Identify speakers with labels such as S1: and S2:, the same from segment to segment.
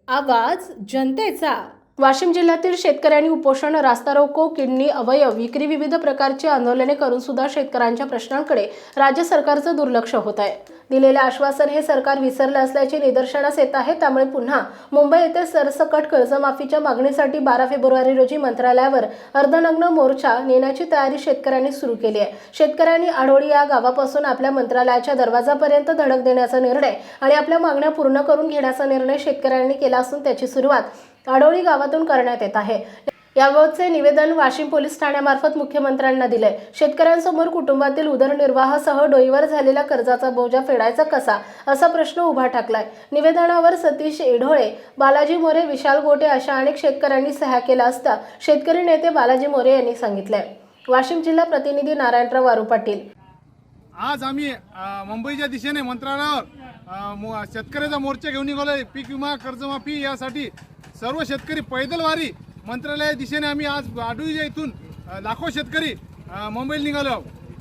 S1: आवाज जनतेचा। वाशिम जिल्ह्यातील शेतकऱ्यांनी उपोषण, रास्ता रोको, किडनी अवयव विक्री, विविध प्रकारची आंदोलने करून सुद्धा शेतकऱ्यांच्या प्रश्नांकडे राज्य सरकारचं दुर्लक्ष होत आहे। दिलेले आश्वासन हे सरकार विसरले असल्याचे निदर्शनास येत आहे। त्यामुळे पुन्हा मुंबई येथे सरसकट कर्जमाफीच्या मागणीसाठी 12 फेब्रुवारी रोजी मंत्रालयावर अर्धनग्न मोर्चा नेण्याची तयारी शेतकऱ्यांनी सुरू केली आहे। शेतकऱ्यांनी आढोळी या गावापासून आपल्या मंत्रालयाच्या दरवाजापर्यंत धडक देण्याचा निर्णय आणि आपल्या मागण्या पूर्ण करून घेण्याचा निर्णय शेतकऱ्यांनी केला असून त्याची सुरुवात आढोळी गावातून करण्यात येत आहे। याबाबतचे निवेदन वाशिम पोलीस ठाण्यामार्फत मुख्यमंत्र्यांना दिले। शेतकऱ्यांसमोर कुटुंबातील उदरनिर्वाहासह डोईवर झालेला कर्जाचा बोजा फेडायचा कसा असा प्रश्न उभा ठाकलाय। निवेदनावर सतीश एढोळे, बालाजी मोरे, विशाल गोटे अशा अनेक शेतकऱ्यांनी सह्या केला असता शेतकरी नेते बालाजी मोरे यांनी सांगितले। वाशिम जिल्हा प्रतिनिधी नारायणराव वारू पाटील।
S2: आज आम्ही मुंबईच्या दिशेने मंत्रालयावर शेतकऱ्याचा मोर्चा घेऊन निघालोय। पीक विमा कर्जमाफी यासाठी सर्व शेतकरी पैदल वारी मंत्रालया दिशेने आम्ही आज आढळीच्या इथून लाखो शेतकरी मुंबईला निघालो।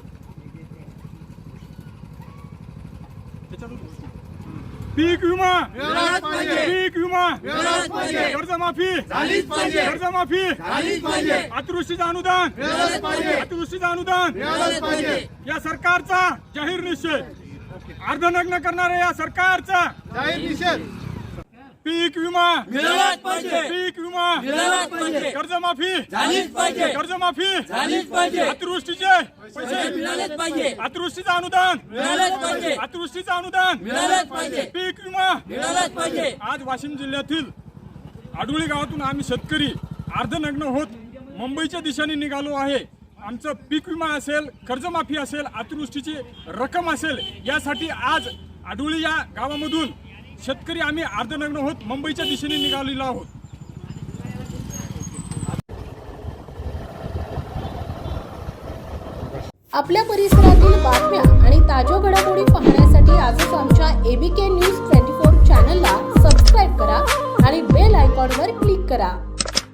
S3: पीक विमा
S2: मिळालाच पाहिजे,
S3: पीक विमा
S2: मिळालाच पाहिजे,
S3: कर्जमाफी
S2: झालीच पाहिजे,
S3: कर्जमाफी
S2: झालीच पाहिजे,
S3: अतिवृष्टीचं अनुदान
S2: मिळालंच पाहिजे,
S3: अतिवृष्टीचं अनुदान
S2: मिळालंच पाहिजे।
S3: या सरकारचा जाहीर निषेध, अर्धनग्न करणाऱ्या या सरकारचा
S2: जाहीर निषेध।
S3: पीक विमा
S4: मिळालाच पाहिजे,
S3: पीक विमा
S4: मिळालाच पाहिजे,
S3: कर्जमाफी
S4: झालीच पाहिजे,
S3: कर्जमाफी
S4: झालीच पाहिजे,
S3: अतिवृष्टीचे पैसे
S4: मिळालेच पाहिजे,
S3: अतिवृष्टीचं अनुदान
S4: मिळालेच पाहिजे,
S3: अतिवृष्टीचं अनुदान
S4: मिळालेच पाहिजे,
S3: पीक विमा
S4: मिळालेच पाहिजे।
S3: आज वाशिम जिल्ह्यातील आढोळी गावातून आम्ही शेतकरी अर्धनग्न होत मुंबईच्या दिशेने निघालो आहे। आमचं पीक विमा असेल, कर्जमाफी असेल, अतिवृष्टीची रक्कम असेल, यासाठी आज आढोळी या गावामधून शेतकरी आम्ही अर्धनग्न होत मुंबईच्या दिशेने निघालेलो आहोत।
S1: आपल्या परिसरातील बातम्या आणि ताज्या घडामोडी पाहण्यासाठी आजच आमच्या ABK न्यूज 24 चॅनलला सबस्क्राईब करा आणि बेल आयकॉनवर क्लिक करा।